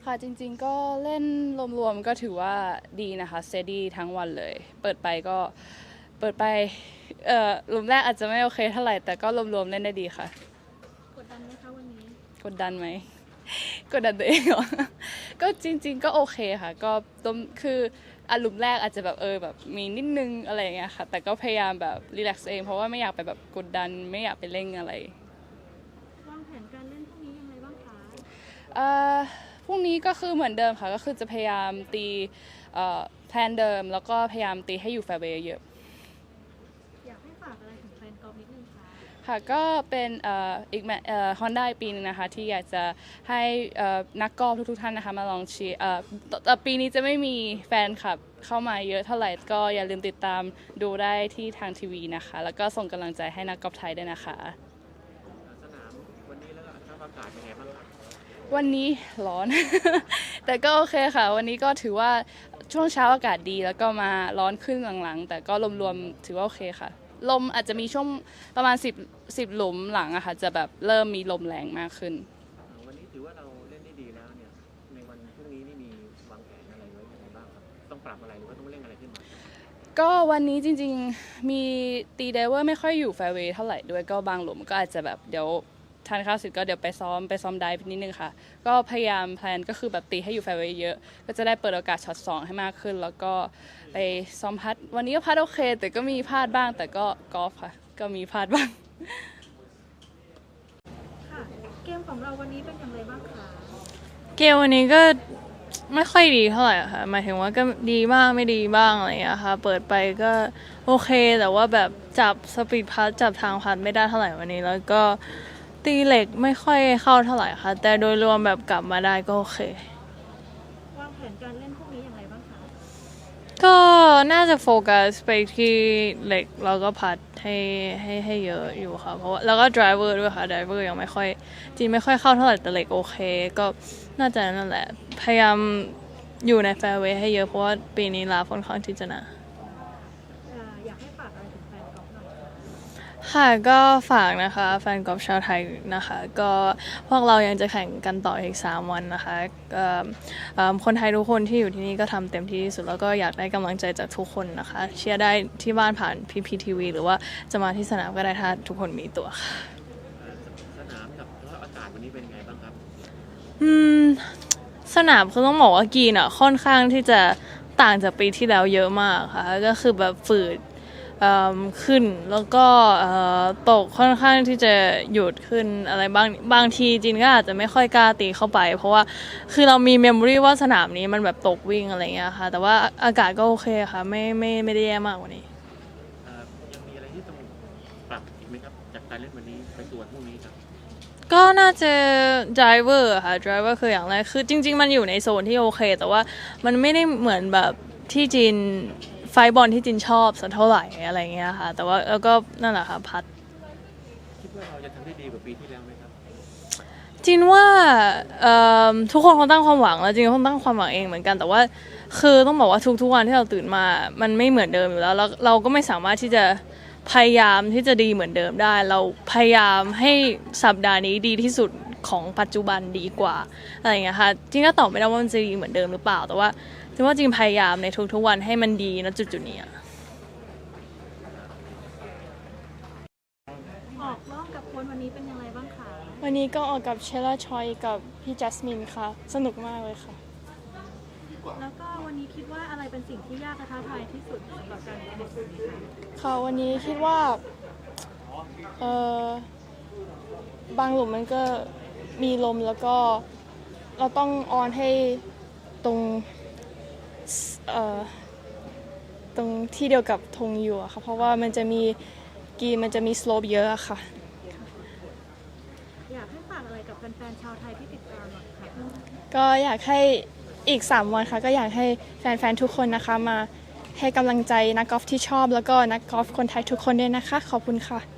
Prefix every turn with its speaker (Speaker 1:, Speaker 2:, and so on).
Speaker 1: ค่ะจริงๆก็เล่นรวมๆก็ถือว่าดีนะคะสเตดี้ทั้งวันเลยเปิดไปหลุมแรกอาจจะไม่โอเคเท่าไหร่แต่ก็รวมๆเล่นได้ดีค่ะ
Speaker 2: กดดันไหมคะวันนี้
Speaker 1: กดดันไหมกดดันตัวเองเหรอก็จริงๆก็โอเคค่ะก็คือหลุมแรกอาจจะแบบมีนิดนึงอะไรอย่างเงี้ยค่ะแต่ก็พยายามแบบรีแลกซ์เองเพราะว่าไม่อยากไปแบบกดดันไม่อยากไปเร่งอะไร
Speaker 2: วางแผนการเล่นพรุ่งนี้ยังไงบ้างคะ
Speaker 1: เอ่อพรุ่งนี้ก็คือเหมือนเดิมค่ะก็คือจะพยายามตีแพลนเดิมแล้วก็พยายามตีให้อยู่แฟร์เวย์เยอะ
Speaker 2: อยากให้ฝากอะไรถึงแฟนกอล์ฟนิดนึงคะ
Speaker 1: ค่ะก็เป็นอีกฮอนด้าปีนึงนะคะที่อยากจะให้นักกอล์ฟทุกๆท่านนะคะมาลองเชียร์ปีนี้จะไม่มีแฟนคลับเข้ามาเยอะเท่าไหร่ก็อย่าลืมติดตามดูได้ที่ทางทีวีนะคะแล้วก็ส่งกำลังใจให้นักกอล์ฟไทยด้วยนะคะ
Speaker 3: สนามวันนี้แล้วก็สภาพอากาศเป็นไงบ้างครับ
Speaker 1: วันนี้ร้อน แต่ก็โอเคค่ะวันนี้ก็ถือว่าช่วงเช้าอากาศดีแล้วก็มาร้อนขึ้นหลังๆแต่ก็รวมๆถือว่าโอเคค่ะลมอาจจะมีช่วงประมาณ10หลุมหลังอะค่ะจะแบบเริ่มมีลมแรงมากขึ้น
Speaker 3: วันนี้ถือว่าเราเล่นได้ดีแล้วเนี่ยในวันพรุ่งนี้นี่มีวางแผนอะไรไว้ยังไงบ้างครับต้องปรับอะไรหรือว่าต้องเร่งอะไรขึ้นมา
Speaker 1: ก็วันนี้จริงๆมีตีไดเวอร์ไม่ค่อยอยู่แฟร์เวย์เท่าไหร่ด้วยก็บางหลุมก็อาจจะแบบเดี๋ยวทานข้าวเสร็จก็เดี๋ยวไปซ้อมไดฟ์นิดนึงค่ะก็พยายามแพลนก็คือแบบตีให้อยู่แฟร์เวย์เยอะก็จะได้เปิดโอกาสช็อต2ให้มากขึ้นแล้วก็ไปซ้อมพัดวันนี้ก็พัดโอเคแต่ก็มีพลาดบ้างแต่ก็กอล์ฟค่ะก็มีพลาดบ้าง
Speaker 2: ค่ะเกมของเราวันนี้เป็นอย่างไรบ้างคะ
Speaker 4: เกมวันนี้ก็ไม่ค่อยดีเท่าไหร่ค่ะหมายถึงว่าก็ดีบ้างไม่ดีบ้างอะไรอย่างเงี้ยค่ะเปิดไปก็โอเคแต่ว่าแบบจับสปีดพัดจับทางพัดไม่ได้เท่าไหร่วันนี้แล้วก็ตีเหล็กไม่ค่อยเข้าเท่าไหร่ค่ะแต่โดยรวมแบบกลับมาได้ก็โอเคว
Speaker 2: างแผนการเล่นพรุ่งนี้อย่างไรบ้างคะ
Speaker 4: ก็น่าจะโฟกัสไปที่เหล็กแล้วก็พัดให้เยอะอยู่ค่ะเพราะว่าแล้วก็ driver ด้วยค่ะ driver ยังไม่ค่อยจริงไม่ค่อยเข้าเท่าไหร่แต่เหล็กโอเคก็น่าจะนั่นแหละพยายามอยู่ใน fairway ให้เยอะเพราะว่าปีนี้ลาค่อนข้างที่จะหนา
Speaker 2: อยากให้ฝากอะไรถึงแฟนกอล์ฟหน่อยคะ
Speaker 4: ค่ะก็ฝากนะคะแฟนกอล์ฟชาวไทยนะคะก็พวกเรายังจะแข่งกันต่ออีก3วันนะคะคนไทยทุกคนที่อยู่ที่นี่ก็ทำเต็มที่ที่สุดแล้วก็อยากได้กำลังใจจากทุกคนนะคะเชียร์ได้ที่บ้านผ่าน PPTV หรือว่าจะมาที่สนามก็ได้ถ้าทุกคนมีตัวค่ะ
Speaker 3: สนามกับสภาพอากาศวันนี้เป็นไงบ้างครับ
Speaker 4: อืมสนามคือต้องบอกว่ากรีนอ่ะค่อนข้างที่จะต่างจากปีที่แล้วเยอะมากค่ะก็คือแบบฝืดขึ้นแล้วก็ตกค่อนข้างที่จะหยุดขึ้นอะไรบางทีจินก็อาจจะไม่ค่อยกล้าตีเข้าไปเพราะว่าคือเรามีเมมโมรีว่าสนามนี้มันแบบตกวิ่งอะไรเงี้ยค่ะแต่ว่าอากาศก็โอเคค่ะไม่ได้แย่มากกว่านี้
Speaker 3: ยังมีอะไรที่ต้องปรับอีกไหมครับจากการเล่นวันนี้ไปสู่วันพรุ่งนี้ครับ
Speaker 4: ก็น่าจะ driver ค่ะ driver คืออย่างแรกคือจริงๆมันอยู่ในโซนที่โอเคแต่ว่ามันไม่ได้เหมือนแบบที่จีนไฟบอลที่จีนชอบสักเท่าไหร่อะไรเงี้ยค่ะแต่ว่าแล้วก็นั่นแหละค่ะพัด
Speaker 3: คิดว่าเราจะทำได้ดีกว่าปีที่แล้วไหมครับ
Speaker 4: จินว่าทุกคนคงตั้งความหวังแล้วจินคงตั้งความหวังเองเหมือนกันแต่ว่าคือต้องบอกว่าทุกวันที่เราตื่นมามันไม่เหมือนเดิมอยู่แล้วเราก็ไม่สามารถที่จะพยายามที่จะดีเหมือนเดิมได้เราพยายามให้สัปดาห์นี้ดีที่สุดของปัจจุบันดีกว่าอะไรอย่างเงี้ยค่ะจริงก็ตอบไม่ได้ว่ามันจะดีเหมือนเดิมหรือเปล่าแต่ว่าจินว่าจริงพยายามในทุกๆวันให้มันดีณจุดๆนี้
Speaker 2: ออกรอบกับคนวันนี้เป็นอย่างไรบ้างคะ
Speaker 5: วันนี้ก็ออกกับเชลล่าชอยกับพี่จัสมินค่ะสนุกมากเลยค่ะ
Speaker 2: แล้วก็วันนี้คิดว่าอะไรเป็นสิ่งที่ยากและท้าทายที่สุดสำหรับการเล่นในวันนี้คะ
Speaker 5: ค่ะวันนี้คิดว่าเออบางหลุมมันก็มีลมแล้วก็เราต้องออนให้ตรงเอ่อตรงที่เดียวกับธงอยู่อะค่ะเพราะว่ามันจะมีมันจะมีสโลปเยอะอะค่ะ
Speaker 2: อยากให้ฝากอะไรกับแฟนๆชาวไทยที่ติดตามหน่อยค่ะ
Speaker 5: ก็อยากให้อีก3วันค่ะก็อยากให้แฟนๆทุกคนนะคะมาให้กำลังใจนักกอล์ฟที่ชอบแล้วก็นักกอล์ฟคนไทยทุกคนด้วยนะคะขอบคุณค่ะ